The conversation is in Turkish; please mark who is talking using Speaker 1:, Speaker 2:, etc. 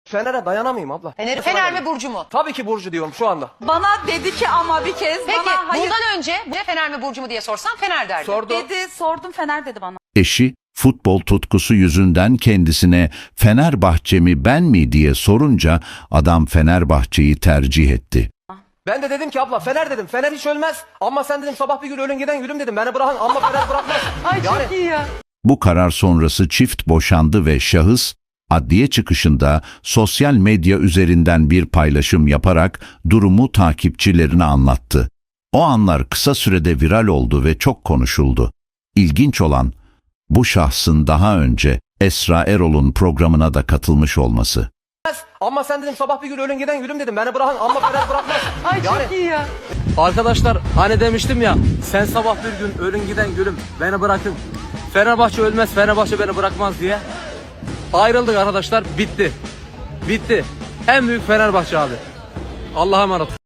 Speaker 1: Fener'e dayanamayayım abla.
Speaker 2: Fener mi Burcu mu?
Speaker 1: Tabii ki Burcu diyorum şu anda.
Speaker 3: Bana dedi ki ama bir kez
Speaker 2: Peki
Speaker 3: bana hayır
Speaker 2: bundan önce bu Fener mi Burcu mu diye sorsam Fener derdi.
Speaker 1: Sordu.
Speaker 3: dedi, sordum Fener dedi bana.
Speaker 4: Eşi, futbol tutkusu yüzünden kendisine Fenerbahçe mi ben mi diye sorunca adam Fenerbahçe'yi tercih etti.
Speaker 1: Ben de dedim ki abla Fener dedim. Fener hiç ölmez. Ama sen dedim sabah bir gün ölün giden gülüm dedim. Beni bırakın ama Fener bırakmaz.
Speaker 3: Ay çok iyi ya.
Speaker 4: Bu karar sonrası çift boşandı ve şahıs, adliye çıkışında sosyal medya üzerinden bir paylaşım yaparak durumu takipçilerine anlattı. O anlar kısa sürede viral oldu ve çok konuşuldu. İlginç olan, bu şahsın daha önce Esra Erol'un programına da katılmış olması.
Speaker 1: Ama sen dedim sabah bir gün ölün giden gülüm dedim. Beni bırakın ama Fener bırakmaz.
Speaker 3: Ay çok iyi ya.
Speaker 5: Arkadaşlar hani demiştim ya, sen sabah bir gün ölün giden gülüm beni bırakın. Fenerbahçe ölmez, Fenerbahçe beni bırakmaz diye. Ayrıldık arkadaşlar, bitti. Bitti. En büyük Fenerbahçe abi. Allah'a emanet.